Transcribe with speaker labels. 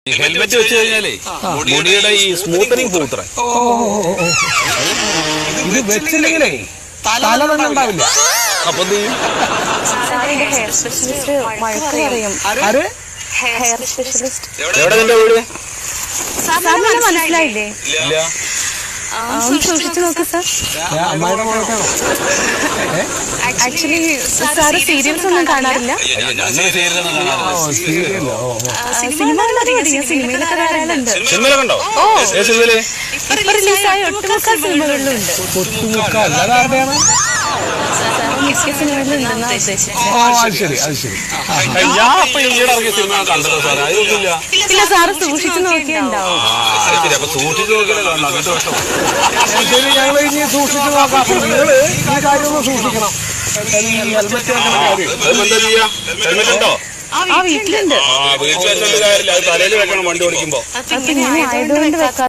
Speaker 1: Helmet വെച്ച് കഴിഞ്ഞാലേ മുടിയുടെ ഈ സ്മൂത്തനിങ് പോത്രേ.
Speaker 2: ഇത് വെച്ചില്ലെങ്കിലേ തല തന്നെ ഉണ്ടാവില്ല.
Speaker 1: അപ്പൊ എന്ത് ചെയ്യും?
Speaker 3: ഹെയർ സ്പെഷ്യലിസ്റ്റ്
Speaker 1: എവിടെ നിന്റെ വീട്?
Speaker 3: മനസ്സിലായില്ലേ?
Speaker 1: ഇല്ല.
Speaker 3: സൂക്ഷിച്ചു നോക്ക് സാർ.
Speaker 2: അമ്മായിയുടെ മോളൊക്കെയാണോ?
Speaker 3: ആക്ച്വലി സാറ് സീരിയൽസ് ഒന്നും കാണാറില്ല? സിനിമയിലൊക്കെ വരാനുണ്ട്.
Speaker 1: സിനിമയിലൊക്കെ ഉണ്ടോ? സിനിമയില്
Speaker 3: ഇപ്പൊ റിലീസായ ഒട്ടുമുക്ക സിനിമകളിലുണ്ട്.
Speaker 2: കൊച്ചുമുക്ക അല്ലാതെയാണ്.
Speaker 3: മിക്ക സിനിമകളിലുണ്ടെന്നാ ഉദ്ദേശിച്ചത്.
Speaker 2: ശരി അത് ശരി.
Speaker 1: ഞാൻ അപ്പൊ ഈയിടെ ഇറങ്ങിയ സിനിമ കണ്ടല്ലോ സാറേ. അതൊന്നുമില്ല.
Speaker 3: ഇല്ല സാറ് സൂക്ഷിച്ചു നോക്കിയുണ്ടാവും.
Speaker 1: അപ്പൊ സൂക്ഷിച്ചു നോക്കിയാലേ കാണണം. അങ്ങനത്തെ പ്രശ്നം.
Speaker 2: ശരി, ഞങ്ങൾ ഇനി സൂക്ഷിച്ചു നോക്കാം. അപ്പൊ നിങ്ങള് ഈ കാര്യം ഒന്ന് സൂക്ഷിക്കണം. ഹെൽമെറ്റ് വെക്കണ കാര്യം
Speaker 1: എന്താ ചെയ്യാ? ഹെൽമെറ്റ് ഉണ്ടോ?
Speaker 3: ആ വീട്ടിലുണ്ട്.
Speaker 1: വീട്ടിൽ വെച്ചിട്ട് കാര്യമില്ല. അത് തലയിൽ വെക്കണം വണ്ടി ഓടിക്കുമ്പോ.
Speaker 3: പിന്നെ ആയതുകൊണ്ട് വെക്കാം.